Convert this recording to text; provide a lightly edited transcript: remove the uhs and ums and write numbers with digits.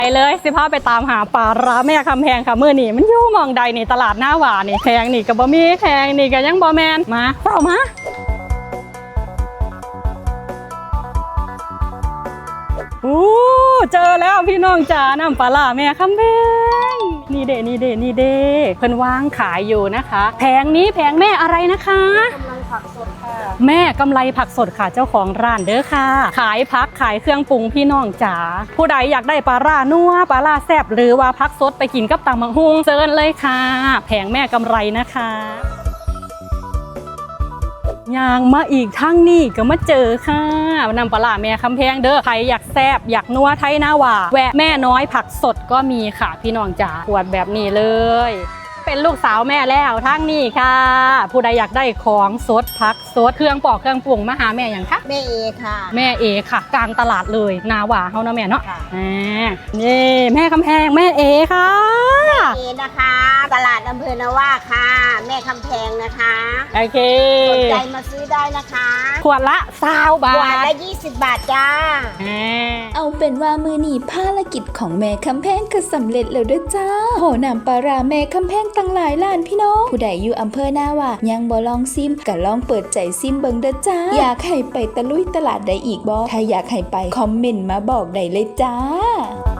ไปเลยสิพาไปตามหาปลาร้าแม่คำแพงค่ะมื้อนี้มันอยู่หม่องใดนี่ตลาดหน้าหวานี่แพงนี่ก็บ่มีแพงนี่ก็ยังบ่แม่นมาเฝ้ามาเจอแล้วพี่น้องจ๋าน้ำปลาร้าแม่คำแพงนี่เด้เพิ่นวางขายอยู่นะคะแพงนี้แพงแม่อะไรนะคะกำไรผักสดค่ะแม่กำไรผักสดค่ะเจ้าของร้านเด้อค่ะขายผักขายเครื่องปรุงพี่น้องจ๋าผู้ใดอยากได้ปลาร้านัวปลาร้าแซ่บหรือว่าผักสดไปกินกับตำบักหุ่งเชิญเลยค่ะแพงแม่กำไรนะคะย่างมาอีกทั้งนี่ก็มาเจอค่ะน้ำปลาร้าแม่คำแพงเด้อใครอยากแซ่บอยากนัวไทยหน้าหว่าแวะแม่น้อยผักสดก็มีค่ะพี่น้องจ๋าขวดแบบนี้เลยเป็นลูกสาวแม่แล้วทั้งนี้ค่ะผู้ใดอยากได้ของสดผักสดเครื่องปอกเครื่องปรุงมาหาแม่อย่างคะแม่เอค่ะแม่เอค่ะกลางตลาดเลยนาหว่าเฮานะแม่เนาะนี่แม่คำแพงแม่เอค่ะเอนะคะตลาดอำเภอนาว่าค่ะแม่คำแพงนะคะโอเคสนใจมาซื้อได้นะคะขวดละ20 บาทขวดละ20 บาทจ้าเอาเป็นว่ามือหนีภารกิจของแม่คำแพงก็สำเร็จแล้วด้วยจ้าโหนำปลาร้าแม่คำแพงตั้งหลายล้านพี่น้องผู้ใดอยู่อำเภอหน้าว่ายังบ่ลองซิมก็ลองเปิดใจซิมเบิ่งเด้อจ้าอยากให้ไปตะลุยตลาดใดอีกบ่ถ้าอยากให้ไปคอมเมนต์มาบอกได้เลยจ้า